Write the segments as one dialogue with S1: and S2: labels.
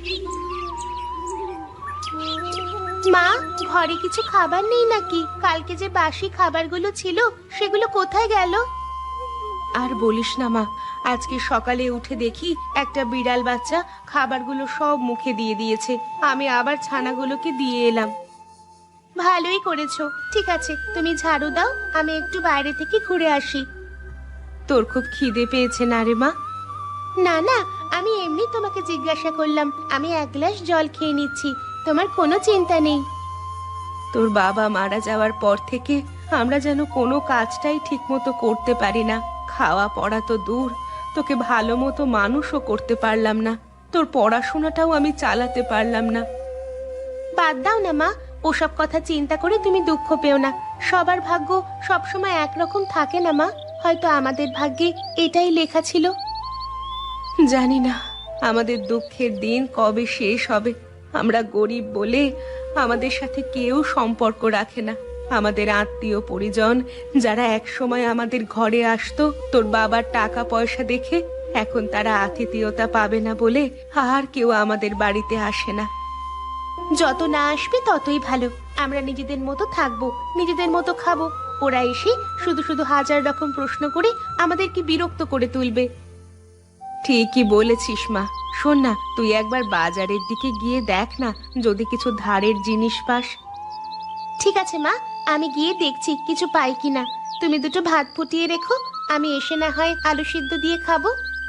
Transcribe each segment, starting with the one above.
S1: মা, ঘরে কিছু খাবার নেই নাকি? কালকে যে বাসি খাবারগুলো ছিল সেগুলো কোথায় গেল? আর বলিস না মা, আজকে সকালে উঠে দেখি একটা বিড়াল বাচ্চা খাবারগুলো সব মুখে দিয়ে দিয়েছে। আমি আবার ছানাগুলোকে দিয়ে এলাম। ভালোই করেছো। ঠিক আছে, তুমি ঝাড়ু দাও, আমি একটু বাইরে থেকে ঘুরে আসি। তোর খুব খিদে পেয়েছে না রে মা? না না, আমি এমনি তোমাকে জিজ্ঞাসা করলাম। আমি এক গ্লাস জল খেয়ে নিচ্ছি, তোমার কোনো চিন্তা নেই। তোর বাবা মারা যাওয়ার পর থেকে আমরা যেন কোনো কাজটাই ঠিক মতো করতে পারি না। খাওয়া পড়া তো দূর, তোকে ভালো মতো মানুষও করতে পারলাম না। তোর পড়াশোনাটাও আমি চালাতে পারলাম না। বাদ দাও না মা, ওসব কথা চিন্তা করে তুমি দুঃখ পেও না। সবার ভাগ্য সবসময় একরকম থাকে না মা। হয়তো আমাদের ভাগ্যে এটাই লেখা ছিল। জানি না আমাদের দুঃখের দিন কবে শেষ হবে। আমরা গরিব বলে আমাদের সাথে কেউ সম্পর্ক রাখে না। আমাদের আত্মীয় পরিজন যারা একসময় আমাদের ঘরে আসতো তোর বাবার টাকা পয়সা দেখে, এখন তারা আতিথেয়তা পাবে না বলে আর কেউ আমাদের বাড়িতে আসে না। যত না আসবে ততই ভালো। আমরা নিজেদের মতো থাকবো, নিজেদের মতো খাবো। ওরা এসে শুধু শুধু হাজার রকম প্রশ্ন করে আমাদেরকে বিরক্ত করে তুলবে। ঠিকই বলেছিস মা। শোন না, তুই একবার বাজারের দিকে গিয়ে দেখ না, যদি কিছু ধারের জিনিস পাস। ঠিক আছে মা, আমি গিয়ে দেখছি কিছু পাই কিনা। তুমি দুটো ভাত ফুটিয়ে রেখো, আমি এসে না হয় আলু সিদ্ধ দিয়ে খাবো।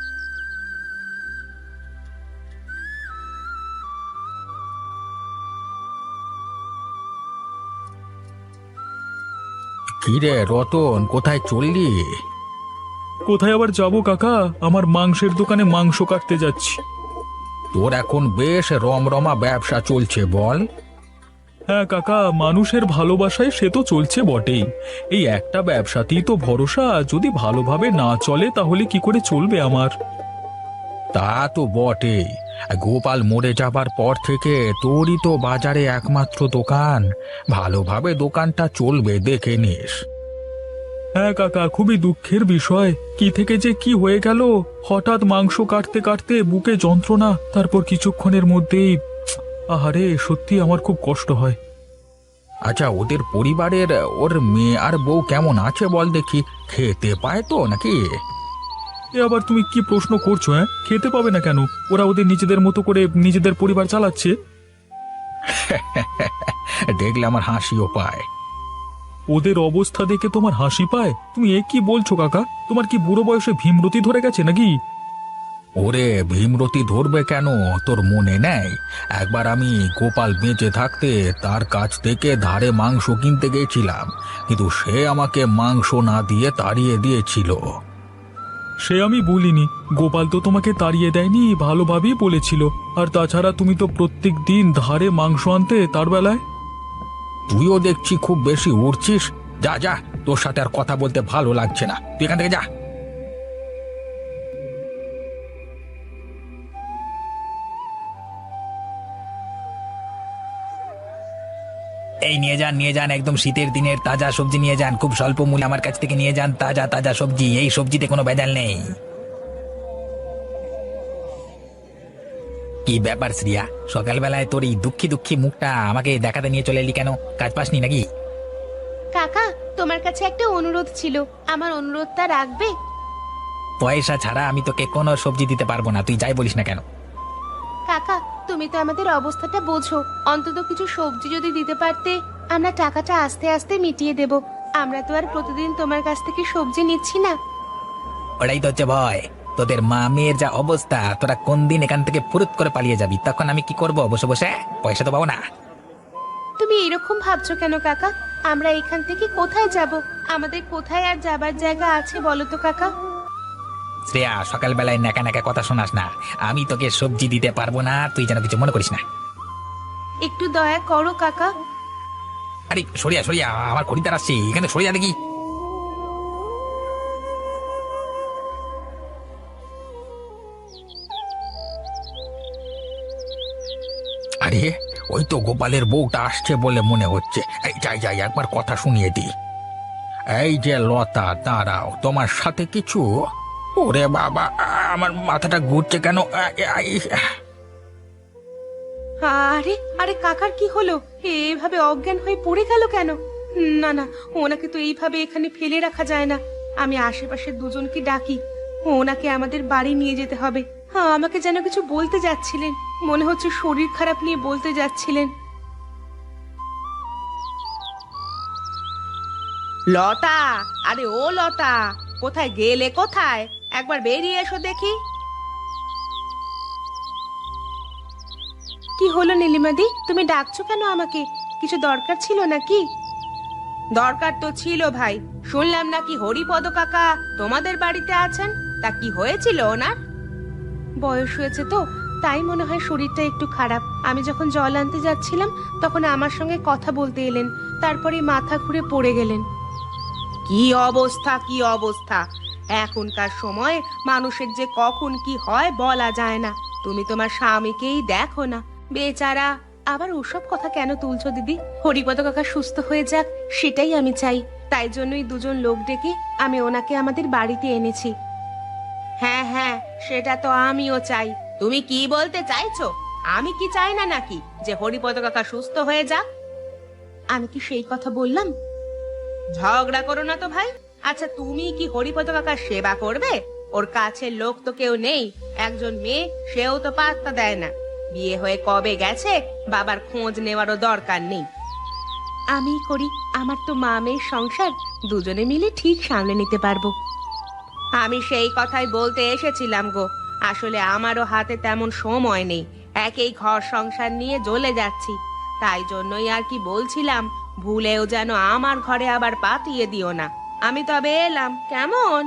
S2: কিরে রতন, কোথায় চললি?
S3: কোথায় আবার যাবো কাকা, আমার মাংসের দোকানে মাংস কাটতে যাচ্ছি।
S2: তোর এখন বেশ রমরমা ব্যবসা চলছে বল।
S3: হ্যাঁ কাকা, মানুষের ভালোবাসায় সে তো চলছে বটেই। এই একটা ব্যবসাতেই তো ভরসা, যদি ভালোভাবে না চলে তাহলে কি করে চলবে আমার?
S2: তা তো বটেই। গোপাল মরে যাবার পর থেকে তোরই তো বাজারে একমাত্র দোকান। ভালোভাবে দোকানটা চলবে দেখে নিস।
S3: হ্যাঁ কাকা, খুবই দুঃখের বিষয়। কি থেকে যে কি হয়ে গেল, হঠাৎ মাংস কাটতে কাটতে বুকে যন্ত্রণা, তারপর কিছুক্ষণের মধ্যেই আহারে, সত্যি আমার খুব কষ্ট হয়।
S2: আচ্ছা, ওদের পরিবারের ওর মেয়ে আর বউ কেমন আছে বল দেখি। খেতে পায় তো নাকি?
S3: এ আবার তুমি কি প্রশ্ন করছো? হ্যাঁ, খেতে পাবে না কেন? ওরা ওদের নিজেদের মতো করে নিজেদের পরিবার চালাচ্ছে।
S2: দেখলে আমার হাসিও পায়।
S3: ওদের অবস্থা দেখে তোমার হাসি পায়? তুমি এ কি বলছো কাকা? তোমার কি বুড়ো বয়সে ভীমরতি ধরে গেছে নাকি?
S2: ওরে, ভীমরতি ধরবে কেন? তোর মনে নেই একবার আমি গোপাল বেঁচে থাকতে তার কাছ থেকে ধারে মাংস কিনতে গেছিলাম, কিন্তু সে আমাকে মাংস না দিয়ে তাড়িয়ে দিয়েছিল।
S3: সে আমি বলিনি, গোপাল তো তোমাকে তাড়িয়ে দেয়নি, ভালোভাবেই বলেছিল। আর তাছাড়া তুমি তো প্রত্যেক দিন ধারে মাংস আনতে তার বেলায়।
S2: তুইও দেখছি খুব বেশি উড়ছিস। যা যা, তোর সাথে আর কথা বলতে ভালো লাগছে না, তুই এখান থেকে যা।
S4: এই নিয়ে যান নিয়ে যান, একদম শীতের দিনের তাজা সবজি নিয়ে যান, খুব স্বল্প মূল্যে আমার কাছ থেকে নিয়ে যান তাজা তাজা সবজি। এই সবজিতে কোনো ভেজাল নেই। কি ব্যাপার শ্রিয়া, সকালবেলায় তোর এই দুঃখী দুঃখী মুখটা আমাকে দেখাতে নিয়ে চলে এলি কেন? কাজ পাসনি নাকি?
S1: কাকা, তোমার কাছে একটা অনুরোধ ছিল, আমার অনুরোধটা রাখবে?
S4: পয়সা ছাড়া আমি তোকে কোনো সবজি দিতে পারবো না, তুই যাই বলিস না কেন।
S1: কাকা, তুমি তো আমাদের অবস্থাটা বোঝো। অন্তত কিছু সবজি যদি দিতে পারতে, আমরা টাকাটা আস্তে আস্তে মিটিয়ে দেব। আমরা তো আর প্রতিদিন তোমার কাছ থেকে সবজি নিচ্ছি না।
S4: ওটাই তো হচ্ছে ভয়। তোদের মা মেয়ের যা অবস্থা, তোরা কোন দিন এখান থেকে ফুরুত করে পালিয়ে যাবি, তখন আমি কি করব? বসে বসে পয়সা তো পাবো না।
S1: তুমি এরকম ভাবছো কেন কাকা? আমরা এখান থেকে কোথায় যাব? আমাদের কোথায় আর যাবার জায়গা আছে বলো তো কাকা?
S4: শ্রেয়া, সকালবেলায় নাকা নাকা কথা শোনাস না। আমি তোকে সবজি দিতে পারবো না, তুই যেন কিছু মনে করিস না।
S1: একটু দয়া করো কাকা।
S4: আরে সরিয়া সরিয়া, আমার খরিদ্দার আসছে, এখানে সরিয়া দেখি।
S2: আরে, ওই তো গোপালের বউটা আসছে বলে মনে হচ্ছে। এই যাই যাই, একবার কথা শুনিয়ে দি। এই যে লতা, দাঁড়াও, তোমার সাথে কিছু। ওরে বাবা, আমার মাথাটা ঘুরছে কেন?
S1: আরে আরে কাকার কি হলো? এভাবে অজ্ঞান হয়ে পড়ে গেল কেন? না না, ওনাকে তো এইভাবে এখানে ফেলে রাখা যায় না। আমি আশেপাশের দুজনকে ডাকি, ওনাকে আমাদের বাড়ি নিয়ে যেতে হবে। আমাকে যেন কিছু বলতে যাচ্ছিলেন, মনে হচ্ছে শরীর খারাপ নিয়ে বলতে যাচ্ছিলেন। লতা, আরে ও লতা, কোথায় গেলে? কোথায়? একবার বেরিয়ে এসো দেখি। কি হলো নীলিমাদি, তুমি ডাকছো কেন আমাকে? কিছু দরকার ছিল নাকি? দরকার তো ছিল ভাই, শুনলাম নাকি হরিপদ কাকা তোমাদের বাড়িতে আছেন। তা কি হয়েছিল ওনার? বয়স হয়েছে তো, তাই মনে হয় শরীরটা একটু খারাপ। আমি যখন জল আনতে যাচ্ছিলাম তখন আমার সঙ্গে কথা বলতে এলেন, তারপরে মাথা ঘুরে পড়ে গেলেন। কি অবস্থা, কি অবস্থা! এখনকার সময় মানুষের যে কখন কি হয় বলা যায় না। তুমি তোমার স্বামীকেই দেখো না, বেচারা। আবার ওসব কথা কেন তুলছো দিদি? হরিপদ কাকা সুস্থ হয়ে যাক, সেটাই আমি চাই। তাই জন্যই দুজন লোক ডেকে আমি ওনাকে আমাদের বাড়িতে এনেছি। হ্যাঁ হ্যাঁ, সেটা তো আমিও চাই। তুমি কি বলতে চাইছো? আমি কি চাই না নাকি যে হরিপদ কাকা সুস্থ হয়ে যাক? আমি কি সেই কথা বললাম? ঝগড়া করো না তো ভাই। আচ্ছা, তুমি কি হরিপদ কাকার সেবা করবে? ওর কাছের লোক তো কেউ নেই, একজন মেয়ে, সেও তো পাত্তা দেয় না। বিয়ে হয়ে কবে গেছে, বাবার খোঁজ নেওয়ারও দরকার নেই। আমি করি, আমার তো মা মেয়ের সংসার, দুজনে মিলে ঠিক সামলে নিতে পারবো। আমি সেই কথাই বলতে এসেছিলাম গো। আসলে আমারও হাতে তেমন সময় নেই, একেই ঘর সংসার নিয়ে জ্বলে যাচ্ছি। তাই জন্যই আর কি বলছিলাম, ভুলেও যেন আমার ঘরে আবার পাতিয়ে দিও না। আমি তবে এলাম, কেমন?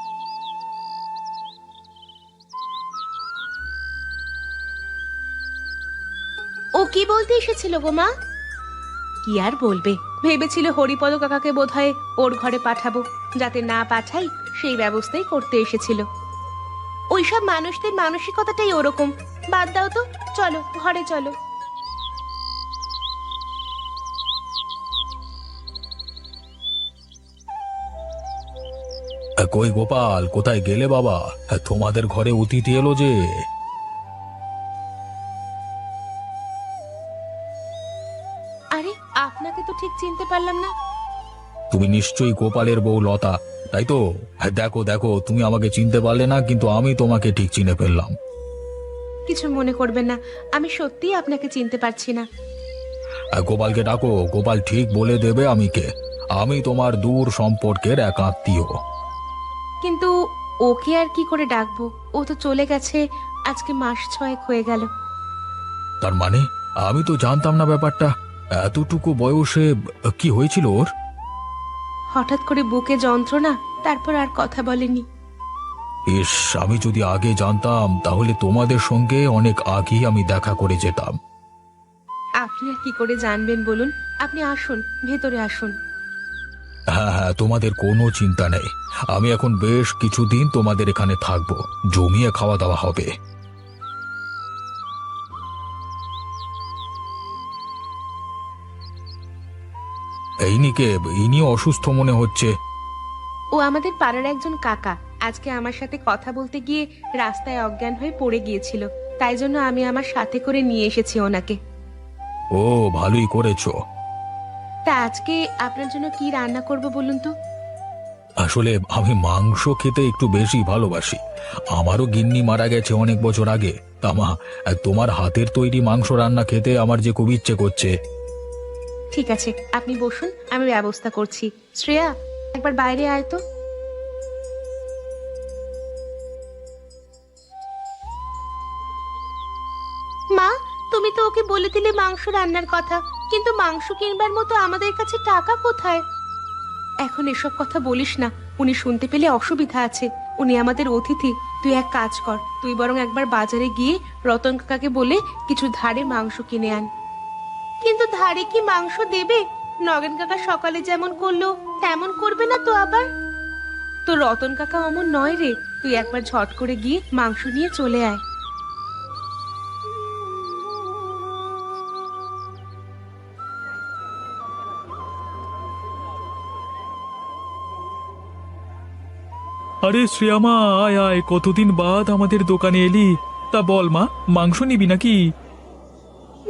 S1: ও কি বলতে এসেছিল গো মা? কি আর বলবে, ভেবেছিল হরিপদ কাকাকে বোধহয় ওর ঘরে পাঠাবো, যাতে না পাঠাই সেই ব্যবস্থাই করতে এসেছিল। ওইসব মানুষদের মানসিকতাটাই ওরকম। বাদ দাও তো, চলো ঘরে চলো।
S2: কই গোপাল, কোথায় গেলে বাবা? তোমাদের ঘরে অতিথি এলো যে।
S1: আরে, আপনাকে তো ঠিক চিনতে পারলাম না।
S2: তুমি নিশ্চয়ই গোপালের বউ লতা, তাই তো? দেখো দেখো, তুমি আমাকে চিনতে পারলে না, কিন্তু আমি তোমাকে ঠিক চিনে ফেললাম।
S1: কিছু মনে করবেন না, আমি সত্যিই আপনাকে চিনতে পারছি না।
S2: গোপালকে ডাকো, গোপাল ঠিক বলে দেবে আমি কে। আমি তোমার দূর সম্পর্কের এক আত্মীয়।
S1: কিন্তু ওকে আর কি করে ডাকবো? ও তো চলে গেছে, আজকে মাস 6 হয়ে গেল।
S2: তার মানে আমি তো জানতাম না ব্যাপারটা। এতটুকু বয়সে কি হয়েছিল ওর?
S1: হঠাৎ করে বুকে যন্ত্রণা, তারপর আর কথা বলেনি।
S2: ইস, আমি যদি আগে জানতাম তাহলে তোমাদের সঙ্গে অনেক আগেই আমি দেখা করে যেতাম।
S1: আপনি আর কি করে জানবেন বলুন? আপনি আসুন, ভেতরে আসুন।
S2: হ্যাঁ হ্যাঁ, তোমাদের কোনো চিন্তা নেই। আমি এখন বেশ কিছুদিন তোমাদের এখানে থাকবো, জমিয়ে খাওয়া দাওয়া হবে। এই নিকে, ইনি অসুস্থ মনে হচ্ছে।
S1: ও আমাদের পাড়ার একজন কাকা, আজকে আমার সাথে কথা বলতে গিয়ে রাস্তায় অজ্ঞান হয়ে পড়ে গিয়েছিল, তাই জন্য আমি আমার সাথে করে নিয়ে এসেছি ওনাকে।
S2: ও, ভালোই করেছো।
S1: তা আজকে আপনার জন্য কি রান্না করব বলুন তো?
S2: আসলে আমি মাংস খেতে একটু বেশি ভালোবাসি। আমারও গিন্নি মারা গেছে অনেক বছর আগে। তা মা, তোমার হাতের তৈরি মাংস রান্না খেতে আমার যে খুব ইচ্ছে করছে।
S1: ঠিক আছে, আপনি বসুন, আমি ব্যবস্থা করছি। শ্রেয়া, একবার বাইরে আয় তো। মা, তুমি তো ওকে বলে দিলে মাংস রান্নার কথা, কিন্তু মাংস কিনবার মতো আমাদের কাছে টাকা কোথায়? এখন এসব কথা বলিস না, উনি শুনতে পেলে অসুবিধা আছে। উনি আমাদের অতিথি। তুই এক কাজ কর, তুই বরং একবার বাজারে গিয়ে রতন কাকাকে বলে কিছু ধারে মাংস কিনে আন। কিন্তু ধারে কি মাংস দেবে? নগেন কাকা সকালে যেমন করলো তেমন করবে না তো আবার? তো রতন কাকা অমন নয় রে, তুই একবার ঝট করে গিয়ে মাংস নিয়ে চলে আয়।
S3: আরে শ্রেয়ামা, আয় আয়, কতদিন বাদ আমাদের দোকানে এলি। তা বল মা, মাংস নিবি নাকি?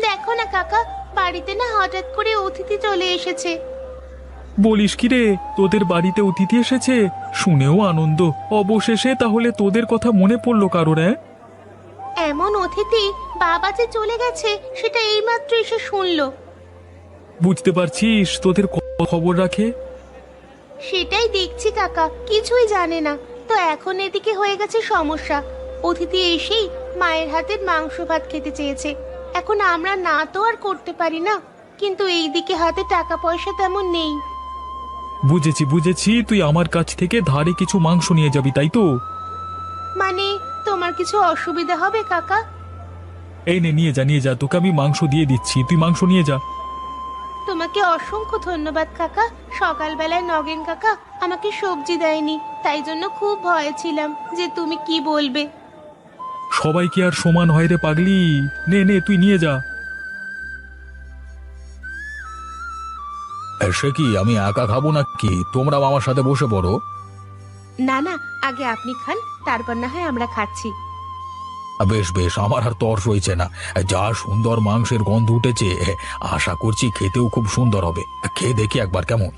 S1: কাকা, বাড়িতে না হঠাৎ করে অতিথি চলে এসেছে।
S3: বলিস কি রে, তোদের বাড়িতে অতিথি এসেছে? শুনেও আনন্দ। অবশেষে তাহলে তোদের কথা মনে পড়লো কারোর?
S1: এমন অতিথি বাবা যে চলে গেছে সেটা এইমাত্র এসে শুনলো।
S3: বুঝতে পারছিস তোদের খবর রাখে।
S1: সেটাই দেখছি কাকা, কিছুই জানে না। তো এখন এদিকে হয়ে গেছে সমস্যা। অতিথি এসেই মায়ের হাতের মাংস ভাত খেতে চেয়েছে। এখন আমরা না তো আর করতে পারি না, কিন্তু এইদিকে হাতে টাকা পয়সা তেমন নেই।
S3: বুঝেছি বুঝেছি, তুই আমার কাছ থেকে ধারে কিছু মাংস নিয়ে যাবি, তাই তো?
S1: মানে তোমার কিছু অসুবিধা হবে কাকা?
S3: এই নে, নিয়ে যা নিয়ে যা, তোকে আমি মাংস দিয়ে দিচ্ছি, তুই মাংস নিয়ে যা।
S1: তোমাকে অসংখ্য ধন্যবাদ কাকা। সকালবেলায় নগেন কাকা আমাকে সবজি দেয়নি, তাই জন্য খুব ভয়ে ছিলাম যে তুমি কি বলবে।
S3: সবাই কি আর সমান হয় রে পাগলি? নে নে, তুই নিয়ে যা।
S2: সে কি, আমি একা খাবো নাকি? তোমরাও আমার সাথে বসে পড়ো।
S1: না না, আগে আপনি খান, তারপর না হয় আমরা খাচ্ছি।
S2: বেশ বেশ, আমার আর তর সইছে না। যা সুন্দর মাংসের গন্ধ উঠেছে, আশা করছি খেতেও খুব সুন্দর হবে। খেয়ে দেখি একবার কেমন।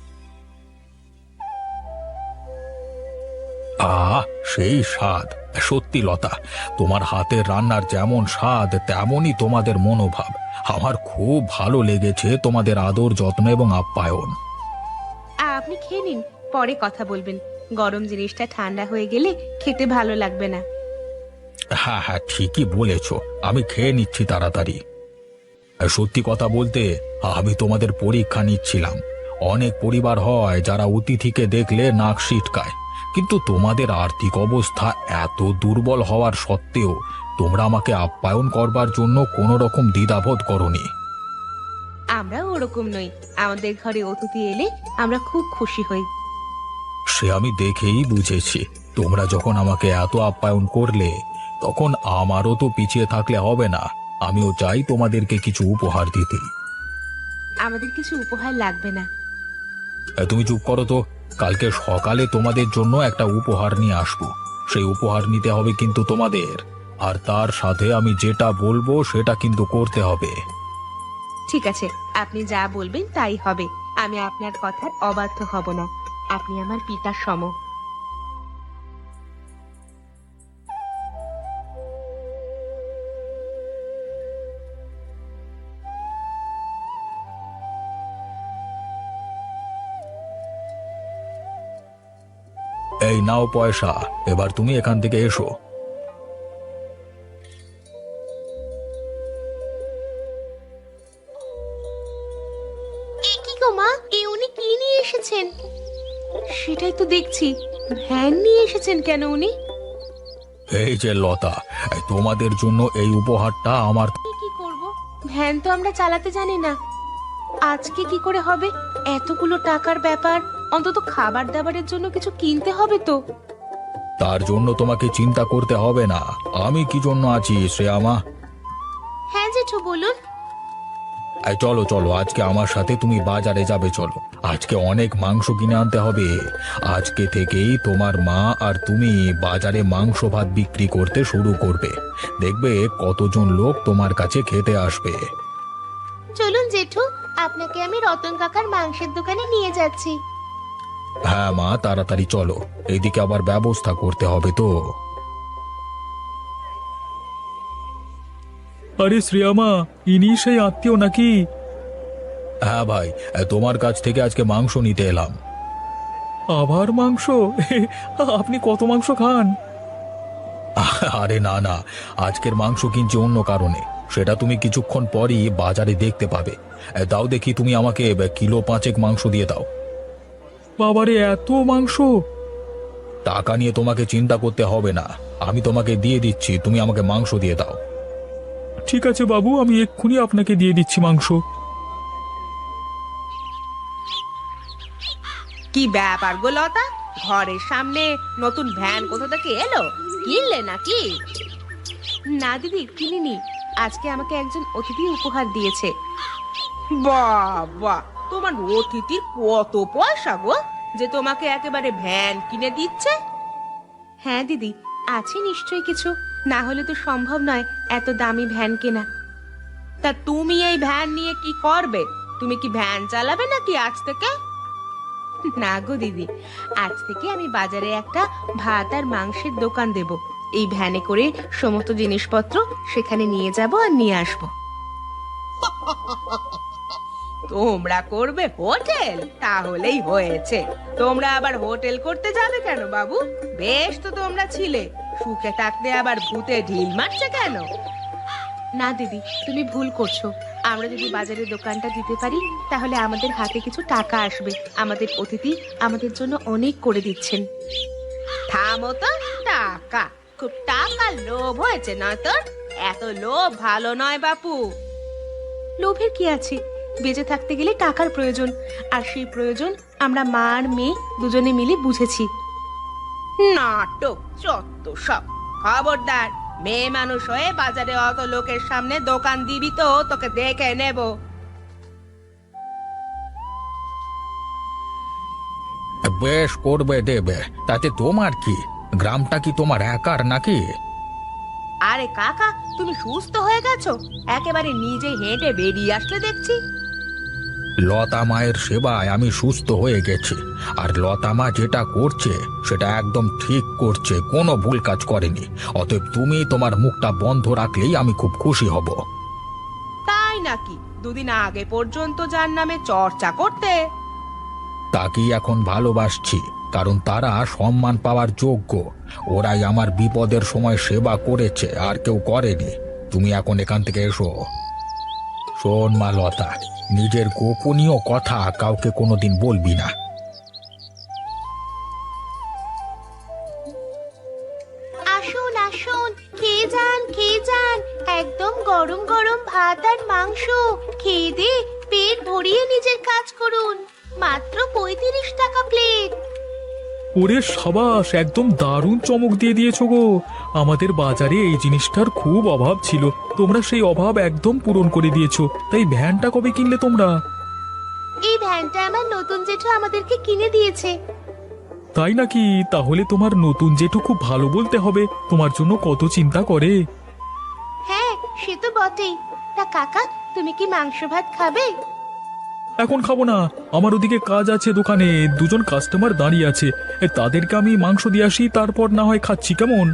S2: সেই স্বাদ! সত্যি লতা, তোমার হাতের রান্নার যেমন স্বাদ তেমনই তোমাদের মনোভাব। আমার খুব ভালো লেগেছে তোমাদের আদর, যত্ন এবং আপ্যায়ন।
S1: আপনি খেয়ে নিন, পরে কথা বলবেন। গরম জিনিসটা ঠান্ডা হয়ে গেলে খেতে ভালো লাগবে না।
S2: হ্যাঁ হ্যাঁ, ঠিকই বলেছ, আমি খেয়ে নিচ্ছি তাড়াতাড়ি। সত্যি কথা বলতে, আমি তোমাদের পরীক্ষা নিচ্ছিলাম। অনেক পরিবার হয় যারা অতিথিকে দেখলে নাক সিটকায়, কিন্তু তোমাদের আর্থিক অবস্থা এত দুর্বল হওয়ার সত্ত্বেও তোমরা আমাকে আপ্যায়ন করবার জন্য কোনো রকম দ্বিধাবোধ করনি।
S1: আমরা ওরকম নই, আমাদের ঘরে অতিথি এলে আমরা খুব খুশি হই।
S2: সে আমি দেখেই বুঝেছি। তোমরা যখন আমাকে এত আপ্যায়ন করলে, তখন আমারও তো পিছিয়ে থাকলে হবে না। আমিও চাই তোমাদেরকে কিছু উপহার দিতে।
S1: আমাদের কিছু উপহার লাগবে না।
S2: তুমি চুপ করো তো। কালকে সকালে তোমাদের জন্য একটা উপহার নিয়ে আসবো। সেই উপহার নিতে হবে কিন্তু তোমাদের, আর তার সাথে আমি যেটা বলবো সেটা কিন্তু করতে হবে।
S1: ঠিক আছে, আপনি যা বলবেন তাই হবে। আমি আপনার কথার অবাধ্য হব না। আপনি আমার পিতার সম।
S2: এই নাও পয়সা, এবার তুমি এখান থেকে এসো।
S1: কি গো মা, উনি কি নিয়ে এসেছেন? সেটাই তো দেখছি, ভ্যান নিয়ে এসেছেন কেন উনি?
S2: এই যে লতা, তোমাদের জন্য এই উপহারটা আমার।
S1: কি করব? ভ্যান তো আমরা চালাতে জানি না। আজকে কি করে হবে? এতগুলো টাকার ব্যাপার, অন্তত খাবার দাবারের জন্য কিছু কিনতে হবে তো।
S2: তার জন্য তোমাকে চিন্তা করতে হবে না। আমি কি জন্য আছি শ্রেয়ামা।
S1: হ্যাঁ জেঠু, বলুন।
S2: এই চলো চলো, আজকে আমার সাথে তুমি বাজারে যাবে, চলো। আজকে অনেক মাংস কিনে আনতে হবে। আজকে থেকেই তোমার মা আর তুমি বাজারে মাংস ভাত বিক্রি করতে শুরু করবে। দেখবে কতজন লোক তোমার কাছে খেতে আসবে।
S1: চলুন জেঠু, আপনাকে আমি রতন কাকার মাংসের দোকানে নিয়ে যাচ্ছি।
S2: হ্যাঁ মা, তাড়াতাড়ি চলো, এইদিকে আবার ব্যবস্থা করতে হবে তো।
S3: আরে শ্রেয়ামা, ইনি সেই আত্মীয় নাকি?
S2: হ্যাঁ ভাই, তোমার কাছ থেকে আজকে মাংস নিতে এলাম।
S3: আবার মাংস? আপনি কত মাংস খান?
S2: আরে না না, আজকের মাংস কিনছি অন্য কারণে। সেটা তুমি কিছুক্ষণ পরই বাজারে দেখতে পাবে। দাও দেখি, তুমি আমাকে কিলো 5 মাংস দিয়ে দাও।
S3: বাবারে, এত মাংস!
S2: টাকা নিয়ে তোমাকে চিন্তা করতে হবে না, আমি তোমাকে দিয়ে দিচ্ছি, তুমি আমাকে মাংস দিয়ে দাও।
S3: ঠিক আছে বাবু, আমি এক্ষুনি আপনাকে দিয়ে দিচ্ছি মাংস।
S1: কি ব্যাপার গো লতা, ঘরের সামনে নতুন ভ্যান কোথা থেকে এলো? কিনলে নাকি? না দিদি, কিনিনি। আজকে আমাকে একজন অতিথি উপহার দিয়েছে। বাবা, তোমার অতিথির কত পয়সা গো, যে তোমাকে একেবারে ভ্যান কিনে দিচ্ছে? হ্যাঁ দিদি, আছে নিশ্চয়ই কিছু, না হলে তো সম্ভব নয় এত দামি ভ্যান কেনা। তা তুমি এই ভ্যান নিয়ে কি করবে? তুমি কি ভ্যান চালাবে নাকি আজ থেকে? না গো দিদি, আজ থেকে আমি বাজারে একটা ভাত আর মাংসের দোকান দেব। এই ভ্যানে করে সমস্ত জিনিসপত্র সেখানে নিয়ে যাব আর নিয়ে আসব। তোমরা করবে হোটেল? তাহলেই হয়েছে। তোমরা আবার হোটেল করতে যাবে কেন বাবু? বেশ তো তোমরা ছিলে, সুখে থাকতে আবার ভূতে ঢিল মারছে কেন? না দিদি, তুমি ভুল করছো। আমরা যদি বাজারে দোকানটা দিতে পারি তাহলে আমাদের হাতে কিছু টাকা আসবে। আমাদের অতিথি আমাদের জন্য অনেক করে দিচ্ছেন। থামো তো। টাকা? খুব টাকা লোভ হয়েছে না তোর? এত লোভ ভালো নয় বাপু। লোভের কি আছে? বেঁচে থাকতে গেলে টাকার প্রয়োজন, আর সেই প্রয়োজন আমরা মা আর মেয়ে দুজনে মিলে বুঝেছি। নাটক যত সব। খবরদার, মেয়ে মানুষ হয়ে বাজারে অত লোকের সামনে দোকান দিবি তো তোকে দেখে নেব।
S2: বেশ করবে, দেবে, তাতে তোমার কি? গ্রামটা কি তোমার একার নাকি?
S1: আরে কাকা, তুমি সুস্থ হয়ে গেছো? একেবারে নিজে হেঁটে বেরিয়ে আসলে দেখছি।
S2: লতা মায়ের সেবায় আমি সুস্থ হয়ে গেছি। আর লতা মা যেটা করছে সেটা একদম ঠিক করছে, কোনো ভুল কাজ করেনি। অতএব তুমি তোমার মুখটা বন্ধ রাখলেই আমি খুব খুশি হব।
S1: তাই নাকি? দুদিন আগে পর্যন্ত যার নামে চর্চা করতে।
S2: তাকেই এখন ভালোবাসছি, কারণ তারা সম্মান পাওয়ার যোগ্য। ওরাই আমার বিপদের সময় সেবা করেছে, আর কেউ করেনি। তুমি এখন এখান থেকে এসো। শোন মা লতা, নিজের গোপনীয় কথা কাউকে কোনোদিন বলবি না।
S1: আসুন আসুন, খেয়ে যান খেয়ে যান। একদম গরম গরম ভাত আর মাংস খেয়ে দে পেট ভরিয়ে নিজের কাজ করুন। মাত্র 35 টাকা প্লেট।
S3: ওরে সাবাস, একদম দারুণ চমক দিয়ে দিয়েছো গো। আমাদের বাজারে এই জিনিসটার খুব অভাব ছিল, তোমরা সেই অভাব একদম পূরণ করে দিয়েছো। তাই ভ্যানটা কবে কিনলে তোমরা?
S1: এই ভ্যানটা আমার নতুন জেঠু আমাদেরকে কিনে দিয়েছে।
S3: তাই নাকি? তাহলে তোমার নতুন জেঠু খুব ভালো বলতে হবে, তোমার জন্য কত চিন্তা করে।
S1: হ্যাঁ, সে তো বটেই। তা কাকা, তুমি কি মাংস ভাত খাবে?
S3: এখন খাবো না, আমার ওদিকে কাজ আছে, দোকানে দুজন কাস্টমার দাঁড়িয়ে আছে। তাদেরকে আমি মাংস দিয়ে আসি, তারপর না হয় খাচ্ছি, কেমন?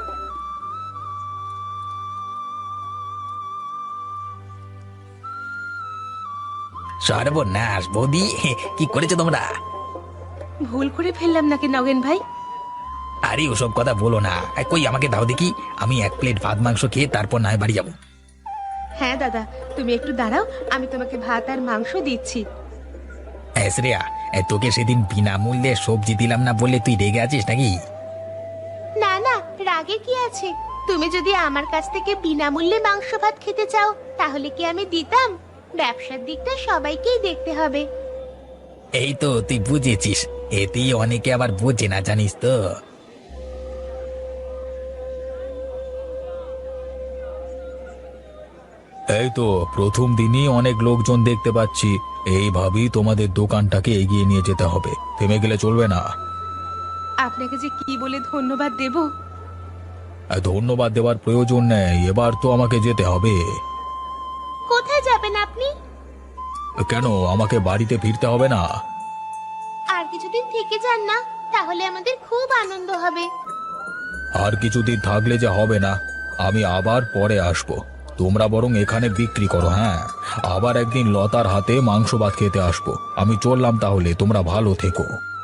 S4: সর্বনাশ বৌদি, কি করেছো তোমরা?
S1: ভুল করে ফেললাম নাকি নগেন ভাই?
S4: আরে ওসব কথা বলো না। কই আমাকে দাও দেখি, আমি 1 প্লেট ভাত মাংস খেয়ে তারপর না হয় বাড়ি যাবো।
S1: হ্যাঁ দাদা, তুমি একটু দাঁড়াও, আমি তোমাকে ভাত আর মাংস দিচ্ছি।
S4: শ্রেয়া, তোকে সেদিন বিনামূল্যে সবজি দিলাম না বললে তুই রেগে আছিস নাকি?
S1: না না, রাগে কি আছে? তুমি যদি আমার কাছ থেকে বিনামূল্যে মাংস ভাত খেতে চাও তাহলে কি আমি দিতাম? ব্যবসার দিকটা সবাইকেই দেখতে হবে।
S4: এই তো তুই বুঝেছিস, এতেই অনেকে আবার বোঝে না, জানিস তো।
S2: এই তো প্রথম দিনই অনেক লোকজন দেখতে পাচ্ছি। এইভাবেই তোমাদের দোকানটাকে এগিয়ে নিয়ে যেতে হবে, থেমে গেলে চলবে না।
S1: আপনাকে যে কি বলে ধন্যবাদ দেব।
S2: ধন্যবাদ দেওয়ার প্রয়োজন নেই, এবার তো আমাকে যেতে হবে।
S1: কোথায় যাবেন আপনি?
S2: কেন, আমাকে বাড়িতে ফিরতে হবে না?
S1: আর কিছুদিন থেকে যান না, তাহলে আমাদের খুব আনন্দ হবে।
S2: আর কিছুদিন থাকলে যে হবে না, আমি আবার পরে আসব। তোমরা বরং এখানে বিক্রি করো। হ্যাঁ, আবার একদিন লতার হাতে মাংস ভাত খেতে আসবো। আমি চললাম তাহলে, তোমরা ভালো থেকো।